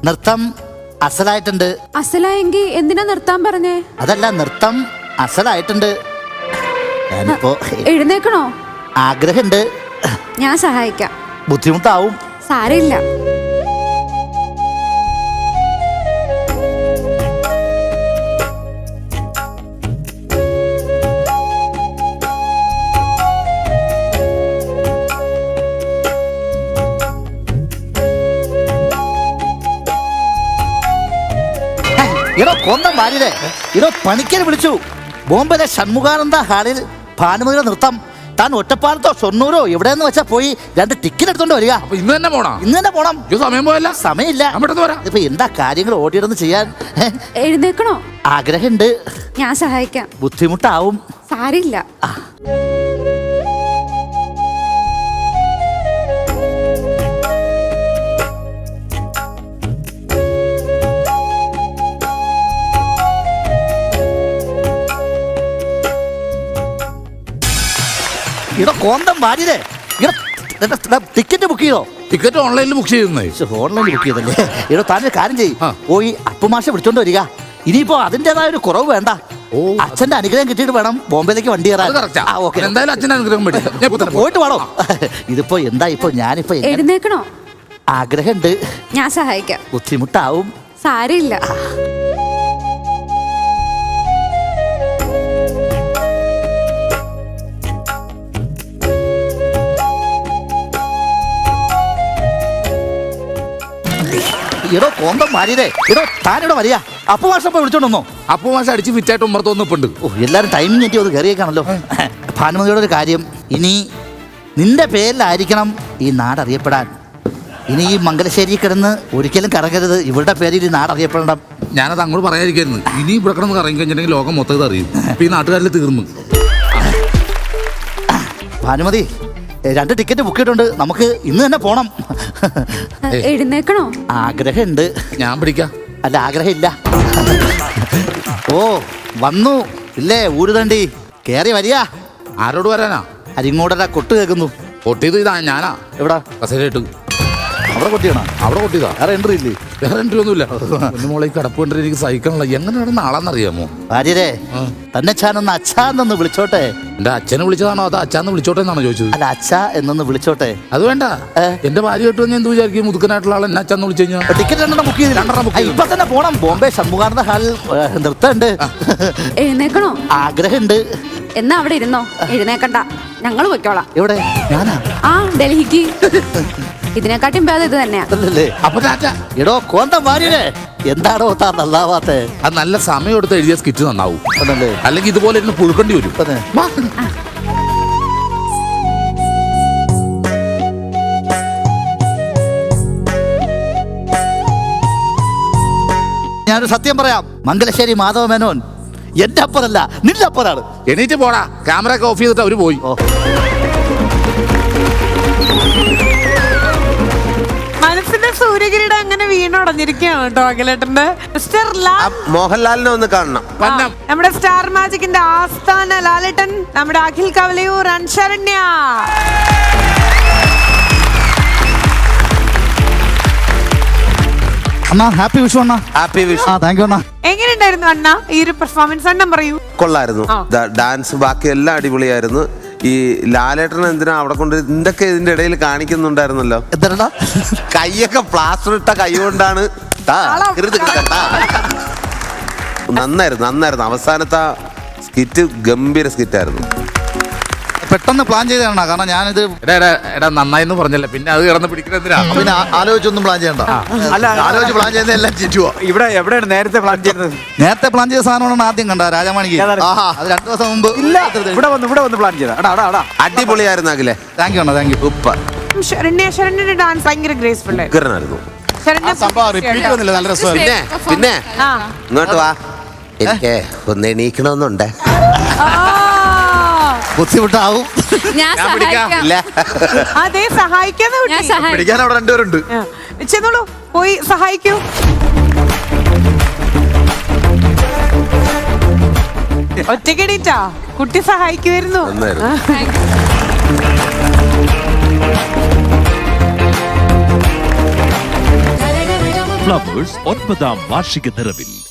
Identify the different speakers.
Speaker 1: നൃത്തം അസലായിട്ടുണ്ട്.
Speaker 2: അസലായെങ്കി എന്തിനാ നിർത്താൻ പറഞ്ഞേ?
Speaker 1: അതല്ല, നൃത്തം അസലായിട്ടുണ്ട്. ഞാനിപ്പോ
Speaker 2: എഴുന്നേക്കണോ?
Speaker 1: ആഗ്രഹമുണ്ട്.
Speaker 2: ഞാൻ സഹായിക്കാം.
Speaker 1: ബുദ്ധിമുട്ടാവും.
Speaker 2: സാരമില്ല.
Speaker 1: ഇടോ കൊന്തം വാരിയതേ, ഇടോ പണിക്കൽ വിളിച്ചു. ബോംബെയിലെ ഷൺമുഖാനന്ദ ഹാളിൽ ഭാനുമതിയുടെ നൃത്തം. താൻ ഒറ്റപ്പാലത്തോ ഷൊർണൂരോ എവിടെയെന്ന് വെച്ചാ പോയി 2 ടിക്കറ്റ് എടുത്തോണ്ട് വരിക.
Speaker 3: ഇന്ന് തന്നെ പോണം.
Speaker 1: ഇന്ന് തന്നെ പോണം.
Speaker 3: സമയം പോയല്ല.
Speaker 1: സമയമില്ല. ഇപ്പൊ എന്താ കാര്യങ്ങൾ ഓടിയിടന്ന് ചെയ്യാൻ.
Speaker 2: എഴുന്നേക്കണോ?
Speaker 1: ആഗ്രഹമുണ്ട്.
Speaker 2: ഞാൻ സഹായിക്കാം.
Speaker 1: ബുദ്ധിമുട്ടാവും.
Speaker 2: സാരില്ല.
Speaker 1: ഇടോ കോന്തം വാരിയതേ, ടിക്കറ്റ് ബുക്ക് ചെയ്തോ?
Speaker 3: ടിക്കറ്റ് ഓൺലൈനിൽ ബുക്ക് ചെയ്യുന്നേ.
Speaker 1: ഓൺലൈനിൽ ബുക്ക് ചെയ്തല്ലേ? ഇടോ താനൊരു കാര്യം ചെയ്യും, പോയി അപ്പുമാഷ വിളിച്ചോണ്ട് വരിക. ഇനിയിപ്പോ അതിൻ്റെതായ ഒരു കുറവ് വേണ്ട. അച്ഛന്റെ അനുഗ്രഹം കിട്ടിയിട്ട് വേണം ബോംബെയിലേക്ക് വണ്ടി കയറാൻ.
Speaker 3: എന്തായാലും അച്ഛന്റെ അനുഗ്രഹം
Speaker 1: പോയിട്ട് വേണോ? ഇതിപ്പോ എന്താ ഇപ്പൊ ഞാനിപ്പോ
Speaker 2: എഴുന്നേക്കണോ?
Speaker 1: ആഗ്രഹമുണ്ട്.
Speaker 2: ഞാൻ സഹായിക്കാം.
Speaker 1: ബുദ്ധിമുട്ടാവും.
Speaker 2: സാരമില്ല.
Speaker 1: ഇടോ കോന്തം വാരിയതേ, ഇടോ താനിവിടെ വരിക. അപ്പുമാഷ വിളിച്ചോണ്ടോ?
Speaker 3: അപ്പുമാഷ അടിച്ച് ഫിറ്റായിട്ട് ഉമ്മറത്തോന്നിപ്പുണ്ട്.
Speaker 1: എല്ലാരും ടൈമിങ് കിട്ടി ഒന്ന് കയറിയേക്കാണല്ലോ. ഭാനുമതിയുടെ ഒരു കാര്യം, ഇനി നിന്റെ പേരിലായിരിക്കണം ഈ നാട് അറിയപ്പെടാൻ. ഇനി ഈ മംഗലശ്ശേരി കിടന്ന് ഒരിക്കലും കറങ്ങരുത്. ഇവരുടെ പേരിൽ ഈ നാട് അറിയപ്പെടണം.
Speaker 3: ഞാനത് അങ്ങോട്ട് പറയാതിരിക്കായിരുന്നു. ഇനി ഇവിടെ കിടന്ന് കറങ്ങി കഴിഞ്ഞിട്ടുണ്ടെങ്കിൽ ലോകം മൊത്തം അറിയും. ഇപ്പൊ ഈ നാട്ടുകാരിൽ തീർന്നു.
Speaker 1: ഭാനുമതി, 2 ടിക്കറ്റ് ബുക്ക് ചെയ്തിട്ടുണ്ട്. നമുക്ക് ഇന്ന് തന്നെ പോണം.
Speaker 2: എഴുന്നേക്കണോ?
Speaker 1: ആഗ്രഹമുണ്ട്.
Speaker 3: ഞാൻ പിടിക്കാം.
Speaker 1: അല്ല, ആഗ്രഹമില്ല. ഓ വന്നു ഇല്ലേ ഊരുതണ്ടി? കേറി വരിക.
Speaker 3: ആരോട് വരാനാ?
Speaker 1: അരിങ്ങോടര കൊട്ട് കേൾക്കുന്നു.
Speaker 3: കൊട്ടിയത് ഇതാ ഞാനാ.
Speaker 1: എവിടാ?
Speaker 3: കസേരയിട്ട്.
Speaker 1: അവിടെ കൊട്ടിയാണോ?
Speaker 3: അവിടെ കൊട്ടിയതാ.
Speaker 1: വേറെ എൻട്രി ഇല്ലേ?
Speaker 3: വേറെ എൻട്രി ഒന്നുമില്ല. മോളെ കിടപ്പ് കണ്ടിട്ട് എനിക്ക് സഹിക്കണല്ലോ. എങ്ങനെ നടന്ന ആളാന്നറിയാമോ?
Speaker 1: ഭാര്യരെ തന്നെ ചാനൊന്ന് അച്ഛാന്നൊന്ന് വിളിച്ചോട്ടെ.
Speaker 3: എന്റെ അച്ഛനെ വിളിച്ചതാണോ അതോ അച്ഛാന്ന് വിളിച്ചോട്ടെ എന്നാണോ ചോദിച്ചത്?
Speaker 1: അല്ല, അച്ഛ എന്നൊന്ന് വിളിച്ചോട്ടെ.
Speaker 3: അത് വേണ്ട. എന്റെ ഭാര്യ കേട്ടു ഞാൻ എന്ത് വിചാരിക്കും? മുതുക്കനായിട്ടുള്ള ആൾ എന്നെ അച്ഛന്ന് വിളിച്ചു കഴിഞ്ഞാൽ
Speaker 1: ടിക്കറ്റ് 2 ബുക്ക് ചെയ്ത് 2 ബുക്ക് ഇപ്പൊ തന്നെ പോണം. ബോംബെ ഷൺമുഖാനന്ദ ഹാളിൽ നൃത്തമുണ്ട്.
Speaker 2: എഴുന്നേക്കണോ?
Speaker 1: ആഗ്രഹമുണ്ട്.
Speaker 2: എന്നാ അവിടെ ഇരുന്നോ. എഴുന്നേക്കണ്ട, ഞങ്ങൾ പൊയ്ക്കോളാം.
Speaker 1: എവിടെ? ഞാനാ?
Speaker 2: ആ, ഡൽഹിക്ക്. ഇതിനെക്കാട്ടും ഭേദം ഇത് തന്നെയാ.
Speaker 3: അപ്പൊ
Speaker 1: എടോ കോന്തം വാര്യരെ, എന്താണോ താ നന്നാവാത്തെ?
Speaker 3: അത് നല്ല സമയം എടുത്ത് എഴുതിയ സ്കിറ്റ് നന്നാവും. അല്ലെങ്കിൽ ഇതുപോലെ ഇരുന്ന് പുഴുക്കേണ്ടി വരും.
Speaker 1: ഞാനൊരു സത്യം പറയാം. മംഗലശ്ശേരി മാധവ മേനോൻ എന്റെ അപ്പനല്ല, നിന്റെ അപ്പനാണ്.
Speaker 3: എണീറ്റ് പോടാ. ക്യാമറ ഒക്കെ ഓഫ് ചെയ്തിട്ട് അവര് പോയി.
Speaker 4: മനസ്സിന്റെ സൂര്യകിരീടം അങ്ങനെ വീണുടഞ്ഞിരിക്കുകയാണ് കേട്ടോ അഖിലേട്ടന്റെ. മിസ്റ്റർ
Speaker 5: മോഹൻലാലിനെ ഒന്ന് കാണണം.
Speaker 4: നമ്മുടെ സ്റ്റാർ മാജിക്കിന്റെ ആസ്ഥാന ലാലേട്ടൻ, നമ്മുടെ അഖിൽ കവലയൂർ അൻശരണ്യ.
Speaker 1: അണ്ണാ ഹാപ്പി വിഷു അണ്ണാ.
Speaker 5: ഹാപ്പി വിഷു.
Speaker 1: താങ്ക് യു അണ്ണാ.
Speaker 4: എങ്ങനെയുണ്ടായിരുന്നു അണ്ണ ഈ ഒരു പെർഫോമൻസ്? അണ്ണൻ പറയൂ.
Speaker 5: കൊള്ളായിരുന്നു. ഡാൻസ് ബാക്കി എല്ലാം അടിപൊളിയായിരുന്നു. ഈ ലാലേട്ടൻ എന്തിനാ അവിടെ കൊണ്ട് എന്തൊക്കെ ഇതിന്റെ ഇടയിൽ കാണിക്കുന്നുണ്ടായിരുന്നല്ലോ?
Speaker 1: എന്താ
Speaker 5: കൈയൊക്കെ പ്ലാസ്റ്റർ ഇട്ട കൈ കൊണ്ടാണ്. നന്നായിരുന്നു. അവസാനത്തെ സ്കിറ്റ് ഗംഭീര സ്കിറ്റായിരുന്നു.
Speaker 1: പെട്ടെന്ന് പ്ലാൻ ചെയ്തതാണ്. കാരണം ഞാനിത്
Speaker 3: നന്നായിന്ന് പറഞ്ഞല്ലേ, പിന്നെ അത് കിടന്ന് പിടിക്കുന്നതിനാ.
Speaker 1: പിന്നെ ആലോചിച്ചൊന്നും പ്ലാൻ ചെയ്യണ്ട.
Speaker 6: അല്ല,
Speaker 1: ആലോചിച്ച് പ്ലാൻ ചെയ്യുന്ന എല്ലാം ചുറ്റുവോ.
Speaker 6: എവിടെയാണ് നേരത്തെ പ്ലാൻ ചെയ്തത്?
Speaker 1: നേരത്തെ പ്ലാൻ ചെയ്ത സാധനമാണ് ആദ്യം കണ്ട രാജമാണിക്ക്. അത് 2 ദിവസം മുമ്പ്
Speaker 6: ഇവിടെ വന്ന് പ്ലാൻ ചെയ്ത.
Speaker 5: അടിപൊളിയായിരുന്നു അഖിലെ.
Speaker 1: താങ്ക് യു അണ്ണാ. Thank you.
Speaker 5: സൂപ്പർ.
Speaker 4: ശരണ്യന്റെ ഡാൻസ് ഭയങ്കര ഗ്രേസ്ഫുൾ ആയിരുന്നു.
Speaker 5: പിന്നെ ഇങ്ങോട്ട് വാ. എനിക്ക് ഒന്ന് എണീക്കണമെന്നുണ്ട്.
Speaker 1: ബുദ്ധിമുട്ടാവും.
Speaker 4: അതെ, സഹായിക്കാന്ന്.
Speaker 1: പിടിക്കാൻ അവിടെ 2 പേരുണ്ട്.
Speaker 4: ചെന്നോളൂ, പോയി സഹായിക്കൂ. ഒറ്റക്കെണീറ്റാ കുട്ടി സഹായിക്കുമായിരുന്നു.
Speaker 7: ഫ്ലവേഴ്സ് 9ാം വാർഷിക നിറവിൽ